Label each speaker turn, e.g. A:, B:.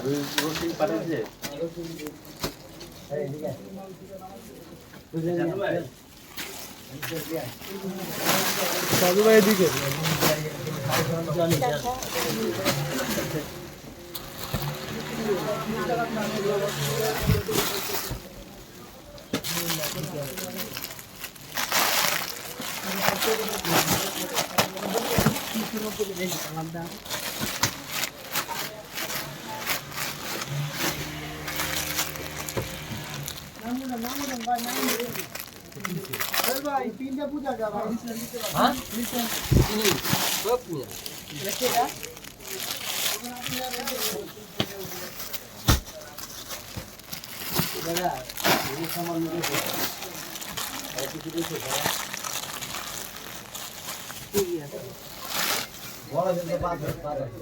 A: রশি পাঠিয়েছে
B: সাধু ভাই এদিকে ভাই তিনটা পূজা যাবা হ্যাঁ দাদা এই সামান নিয়ে বড় দিন বাদ